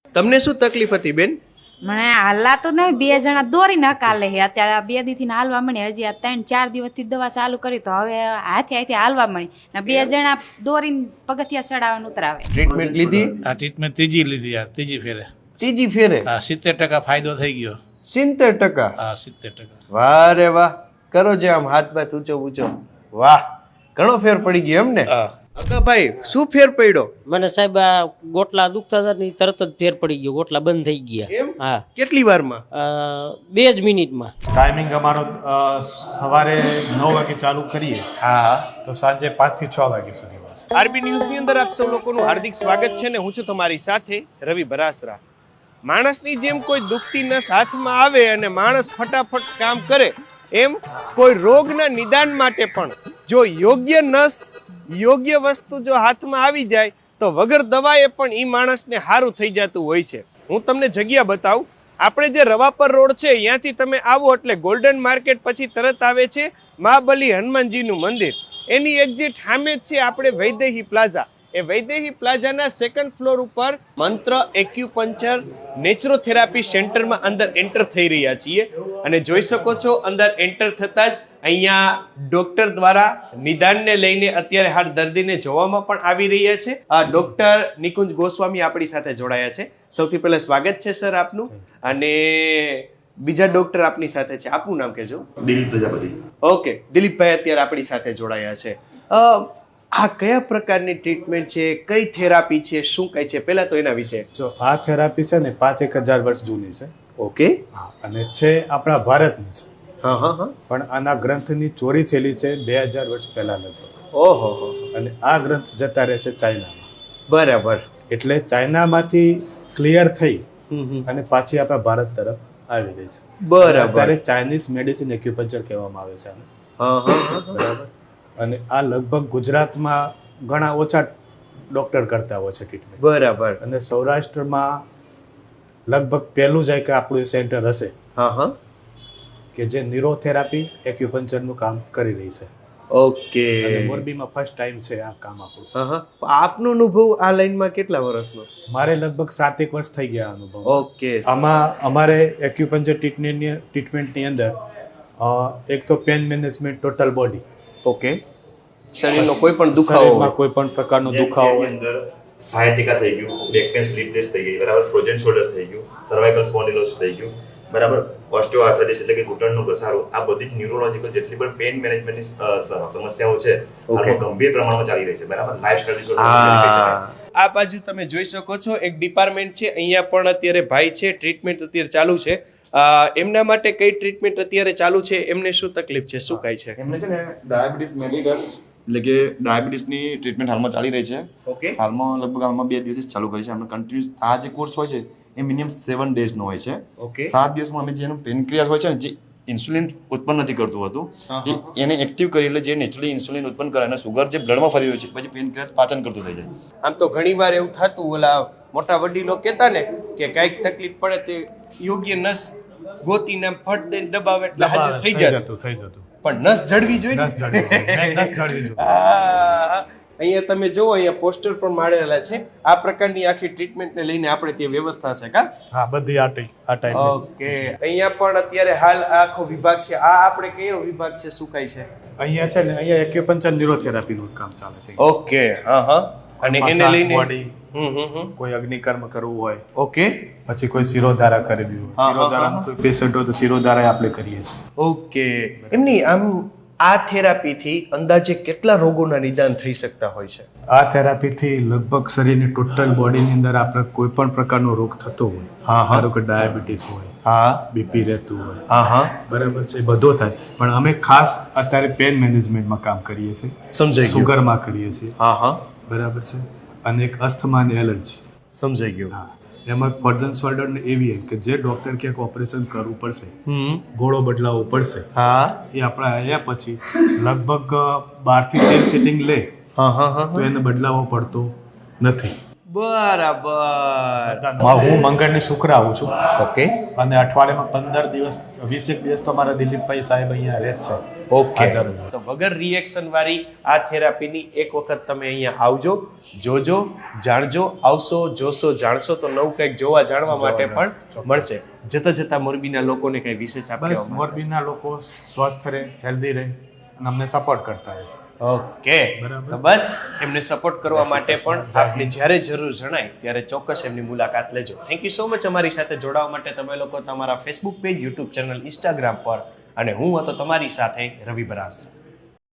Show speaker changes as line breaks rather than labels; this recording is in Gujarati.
તમને શું તકલીફ હતી બેન?
મને હાલાતું નહીં, 2 જણા દોરીને હકાલે છે અત્યારે. આ 2 દીથી હાલવા મળી, હજી આ 3-4 દિવસથી દવા ચાલુ કરી તો હવે હાથે હાથે હાલવા મળી ને 2 જણા દોરીને પગથિયા ચડાવવાનું ઉતરાવે.
ટ્રીટમેન્ટ લીધી?
આ ટ્રીટમેન્ટ ત્રીજી લીધી, આ ત્રીજી ફેરે.
ત્રીજી ફેરે?
હા, 70% ફાયદો થઈ ગયો.
70%?
હા, 70%.
વાહ રે વાહ, કરો જે આમ હાથ બાથ ઊંચો ઊંચો. વાહ, ઘણો ફેર પડી ગયો એમ ને?
હા.
ભાઈ શું ફેર પડ્યો?
મને સાહેબ આ ગોટલા દુખતા હતા ને તરત જ ફેર પડી ગયો, ગોટલા બંધ થઈ ગયા.
એમ?
હા.
કેટલી વારમાં?
2 જ મિનિટમાં.
ટાઈમિંગ અમારો સવારે 9 વાગે ચાલુ કરીએ
હા.
તો સાંજે 5 થી 6 વાગ્યા સુધી હોય છે.
આરબી ન્યૂઝની અંદર આપ સૌ લોકોનું હાર્દિક સ્વાગત છે ને હું છું તમારી સાથે રવિ બરાસરા. માણસની જેમ કોઈ દુખતી નસ હાથમાં આવે અને માણસ ફટાફટ કામ કરે, એમ કોઈ રોગના નિદાન માટે પણ જો યોગ્ય નસ, યોગ્ય વસ્તુ જો હાથમાં આવી જાય તો વગર દવાએ પણ એ માણસને સારું થઈ જતું હોય છે. હું તમને જગ્યા બતાવું. આપણે જે રવાપર રોડ છે ત્યાંથી તમે આવો એટલે ગોલ્ડન માર્કેટ પછી તરત આવે છે મહાબલી હનુમાનજીનું મંદિર. એની એક્ઝેક્ટ સામે જ છે આપણે વૈદેહી પ્લાઝા. એ વૈદેહી પ્લાઝાના 2nd ફ્લોર ઉપર મંત્ર એક્યુપંચર નેચરોથેરાપી સેન્ટરમાં અંદર એન્ટર થઈ રહ્યા છીએ અને જોઈ શકો છો અંદર એન્ટર થતાં જ અહીંયા ડોક્ટર દ્વારા નિદાનને લઈને અત્યારે હાલ દર્દીને જોવામાં પણ આવી રહ્યા છે. આ ડોક્ટર નિકુંજ ગોસ્વામી આપણી સાથે જોડાયા છે. સૌથી પહેલા સ્વાગત છે સર આપનું. અને બીજા ડોક્ટર આપની સાથે છે, આપનું નામ કહેજો.
દિલીપ પ્રજાપતિ.
ઓકે, દિલીપભાઈ અત્યારે આપણી સાથે જોડાયા છે. આ કયા પ્રકારની ટ્રીટમેન્ટ છે, કઈ થેરાપી છે, શું કઈ છે, પહેલા તો એના વિશે.
જો આ થેરાપી છે ને 5,000 વર્ષ જૂની છે.
ઓકે.
હા, અને છે આપણા ભારતની છે.
હા હા હા.
પણ આના ગ્રંથની ચોરી થયેલી છે 2000 વર્ષ પહેલા લગભગ.
ઓહો.
અને આ ગ્રંથ જતા રહે છે ચાઇનામાં.
બરાબર.
એટલે ચાઇનામાંથી ક્લિયર થઈ અને પાછી આપણા ભારત તરફ આવી રહી છે.
બરાબર.
અત્યારે ચાઇનીઝ મેડિસિન એક્યુપંચર કહેવામાં આવે છે આને.
હા હા.
બરાબર. અને આ લગભગ ગુજરાતમાં ઘણા ઓછા ડોક્ટર કરતા હોય છે ટ્રીટમેન્ટ.
બરાબર.
અને સૌરાષ્ટ્રમાં લગભગ પહેલું જાય કે આપણું સેન્ટર હશે
હા હા.
કે જે ન્યુરોથેરાપી એક્યુપંચરનું કામ કરી રહી છે.
ઓકે.
અને મોરબીમાં ફર્સ્ટ ટાઈમ છે આ કામ આપણું.
હા હા. આપનો અનુભવ આ લાઈનમાં કેટલા વર્ષનો?
મારે લગભગ 7 વર્ષ થઈ ગયા આ અનુભવ.
ઓકે.
આમાં અમારે એક્યુપંચર ટ્રીટમેન્ટની અંદર એક તો pain management total body.
Okay. શરીરનો કોઈ પણ દુખાવો
શરીરમાં કોઈ પણ પ્રકારનો દુખાવો હોય,
અંદર 60% થઈ ગયું, બેક પેન સ્લીપલેસ થઈ ગઈ, બરાબર, ફ્રોઝન શોલ્ડર થઈ ગયું, સર્વાઇકલ સ્પોન્ડિલોસિસ થઈ ગયું, બરાબર, ઓસ્ટિયોઆર્થ્રાઇટિસ એટલે કે ઘૂંટણનો ઘસારો, આ બધી જ ન્યુરોલોજીકલ જેટલી પણ પેન મેનેજમેન્ટની સમસ્યાઓ છે હાલમાં ગંભીર પ્રમાણમાં ચાલી રહી છે, બરાબર. Lifestyle disorder.
આ બાજુ તમે જોઈ શકો છો એક ડિપાર્ટમેન્ટ છે, અહીંયા પણ અત્યારે ભાઈ છે, ટ્રીટમેન્ટ અત્યારે ચાલુ છે. એમના માટે કઈ ટ્રીટમેન્ટ અત્યારે ચાલુ છે, એમને શું તકલીફ છે, શું કાંઈ છે?
એમને છે ને ડાયાબિટીસ મેલિટસ એટલે કે ડાયાબિટીસની ટ્રીટમેન્ટ હાલમાં ચાલી રહી છે.
ઓકે.
હાલમાં 2 દિવસથી ચાલુ કરી છે. આપણે કન્ટિન્યુઅસ આ જે કોર્સ હોય છે એ મિનિમમ 7 ડેઝનો હોય છે.
ઓકે.
7 દિવસમાં અમે જેનું પેનક્રિયાસ હોય છે ને, જે ઇન્સ્યુલિન ઉત્પન્ન નથી કરતું હતું, એને એક્ટિવ કરી એટલે જે નેચરલી ઇન્સ્યુલિન ઉત્પન્ન કરે અને સુગર જે બ્લડમાં ફરી રહ્યું છે પછી પેનક્રિયાસ પાચન કરતું થઈ જાય.
આમ તો ઘણીવાર એવું થતું, ઓલા મોટા વડીલો કહેતા ને કે કાંઈક તકલીફ પડે તે યોગ્ય નસ ગોતીને ફટ દઈને દબાવે એટલે હાજર થઈ જતું.
થઈ જતું.
પણ નસ જડવી જોઈએ.
નસ જડવી જોઈએ.
અહીંયા તમે જુઓ, અહીંયા પોસ્ટર પણ મારેલા છે. આ પ્રકારની આખી ટ્રીટમેન્ટને લઈને આપણે ત્યાં વ્યવસ્થા છે કા?
હા, બધી આ ટાઈપ.
ઓકે. અહીંયા પણ અત્યારે હાલ આખો વિભાગ છે. આ આપણે કયો વિભાગ છે, શું કાંઈ છે?
અહીંયા છે ને, અહીંયા એક્યુપંચર ન્યુરોથેરાપીનું કામ ચાલે છે.
ઓકે. હા હા. અને એને લઈને
બોડી કોઈ અગ્નિકર્મ કરવું હોય,
ઓકે.
પછી કોઈ શિરોધારા કરવી હોય,
હા,
શિરોધારાનું કોઈ પેશન્ટ હોય તો શિરોધારા આપણે કરીએ છીએ.
ઓકે. એમની આમ આ થેરાપીથી અંદાજે કેટલા રોગોના નિદાન થઈ શકતા હોય છે?
આ થેરાપીથી લગભગ શરીરની ટોટલ બોડીની અંદર આપણે કોઈ પણ પ્રકારનો રોગ થતો હોય, ધારો કે ડાયાબિટીસ હોય,
હા,
બીપી રહેતું હોય,
હા હા,
બરાબર છે, બધો થાય. પણ અમે ખાસ અત્યારે પેન મેનેજમેન્ટમાં કામ કરીએ છીએ,
સમજાઈ ગયું.
સુગરમાં કરીએ છીએ,
હા હા,
બરાબર છે, અને એક અસ્થમા અને એલર્જી.
સમજાઈ ગયું.
હા, એમાં ફ્રોઝન શોલ્ડર ને એવી કે જે ડોક્ટર ક્યાંક ઓપરેશન કરવું પડશે, ગોળો બદલાવવો પડશે,
હા,
એ આપણે આવ્યા પછી લગભગ 12 થી 13 સિટિંગ લે
હા હા હા,
તો એને બદલાવવો પડતો નથી.
બરાબર.
હું મંગળની શુક્ર આવું છું
ઓકે
અને અઠવાડિયામાં 15 દિવસ 20 દિવસ તો મારા દિલીપભાઈ સાહેબ અહીંયા રહે જ છે.
ઓકે
હાજર.
તો વગર રિએક્શન વાળી આ થેરાપીની એક વખત તમે અહીંયા આવજો, જોજો, જાણજો, આવશો, જોશો, જાણશો તો નવું કંઈક જોવા જાણવા માટે પણ મળશે. જતા જતા મોરબીના લોકોને કઈ વિશેષ
બસ
આપવા
મોરબીના લોકો સ્વસ્થ રહે, હેલ્ધી રહે અને અમને સપોર્ટ કરતા રહે.
ઓકે
બરાબર.
તો બસ એમને સપોર્ટ કરવા માટે પણ આપને જ્યારે જરૂર જણાય ત્યારે ચોક્કસ એમની મુલાકાત લેજો. થેન્ક યુ સો મચ અમારી સાથે જોડાવા માટે. તમે લોકો તમારા Facebook page, YouTube channel, Instagram પર, અને હું હતો તમારી સાથે રવિ બરાસરા.